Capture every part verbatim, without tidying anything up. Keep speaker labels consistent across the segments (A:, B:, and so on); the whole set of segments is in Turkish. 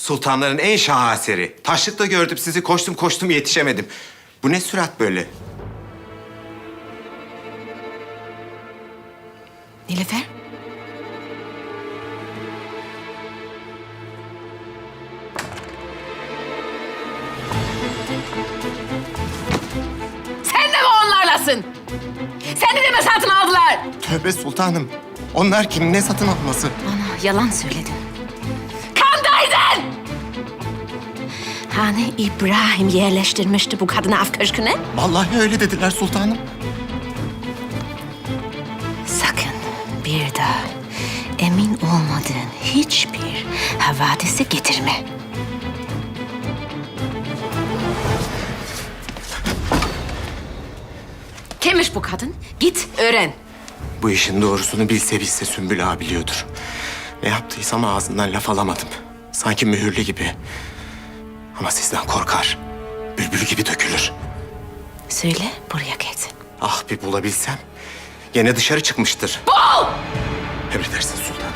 A: Sultanların en şaheseri. Taşlıkta gördüm sizi, koştum koştum yetişemedim. Bu ne sürat böyle?
B: Nilüfer? Sen de mi onlarlasın? Seni de mi satın aldılar?
A: Tövbe sultanım. Onlar kim? Ne satın alması?
B: Bana yalan söyledin. Kandaydın! Hani İbrahim yerleştirmişti bu kadını af köşküne?
A: Vallahi öyle dediler sultanım.
B: Sakın bir daha emin olmadığın hiçbir havadisi getirme. Kimmiş bu kadın? Git öğren.
A: Bu işin doğrusunu bilse bilse Sümbül ağa biliyordur. Ne yaptıysam ağzından laf alamadım. Sanki mühürlü gibi. Ama sizden korkar. Bülbül gibi dökülür.
B: Söyle buraya gelsin.
A: Ah bir bulabilsem. Gene dışarı çıkmıştır.
B: Bul!
A: Emredersin sultanım.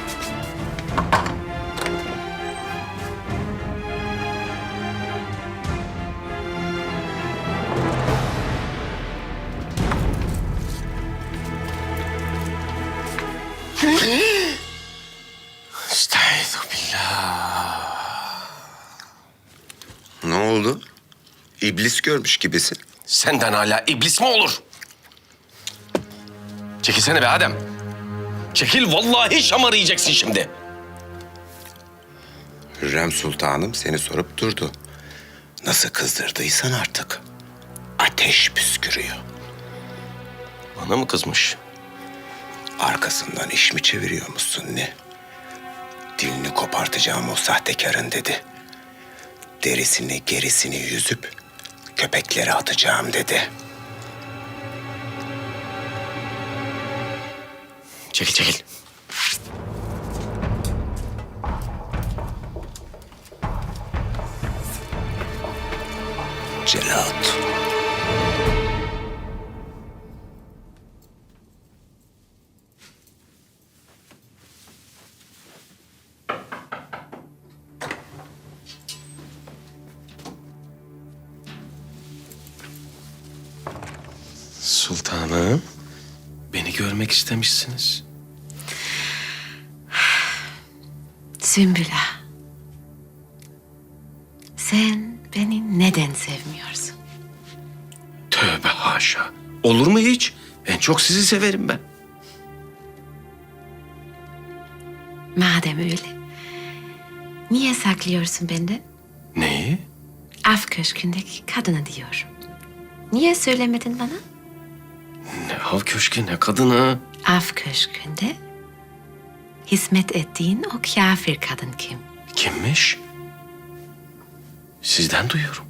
C: Estağfirullah. Ne oldu? İblis görmüş gibisin.
D: Senden hala iblis mi olur? Çekilsene be Adem. Çekil, vallahi şamar yiyeceksin şimdi.
C: Hürrem Sultanım seni sorup durdu. Nasıl kızdırdıysan artık. Ateş püskürüyor.
D: Bana mı kızmış?
C: Arkasından iş mi çeviriyormuşsun ne? Dilini kopartacağım o sahtekarın dedi. Derisini gerisini yüzüp köpeklere atacağım dedi.
D: Çekil, çekil.
C: Celat.
D: Sultanım, beni görmek istemişsiniz.
B: Sümbül Ağa. Sen beni neden sevmiyorsun?
D: Tövbe haşa. Olur mu hiç? En çok sizi severim ben.
B: Madem öyle, niye saklıyorsun benden?
D: Neyi?
B: Af köşkündeki kadını diyorum. Niye söylemedin bana?
D: Ne av köşkü, ne kadını.
B: Af köşkünde hizmet ettiğin o kafir kadın kim?
D: Kimmiş? Sizden duyuyorum.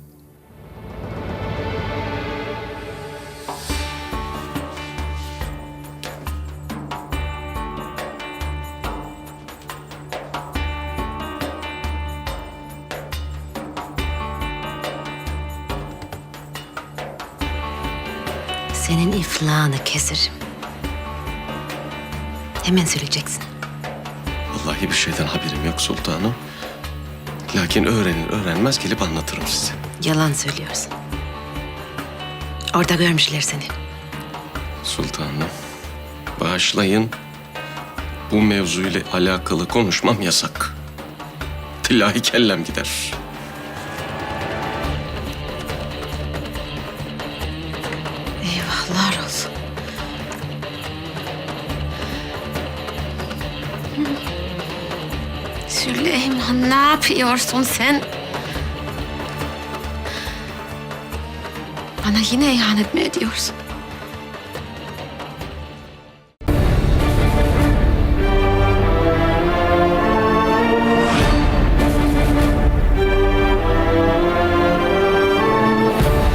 B: Senin iflahını keserim. Hemen söyleyeceksin.
D: Vallahi bir şeyden haberim yok sultanım. Lakin öğrenir öğrenmez gelip anlatırım size.
B: Yalan söylüyorsun. Orada görmüşler seni.
D: Sultanım, bağışlayın. Bu mevzuyla alakalı konuşmam yasak. Tillahi kellem gider.
B: Eyvahlar olsun. Süleyman, ne yapıyorsun sen? Bana yine ihanet mi ediyorsun?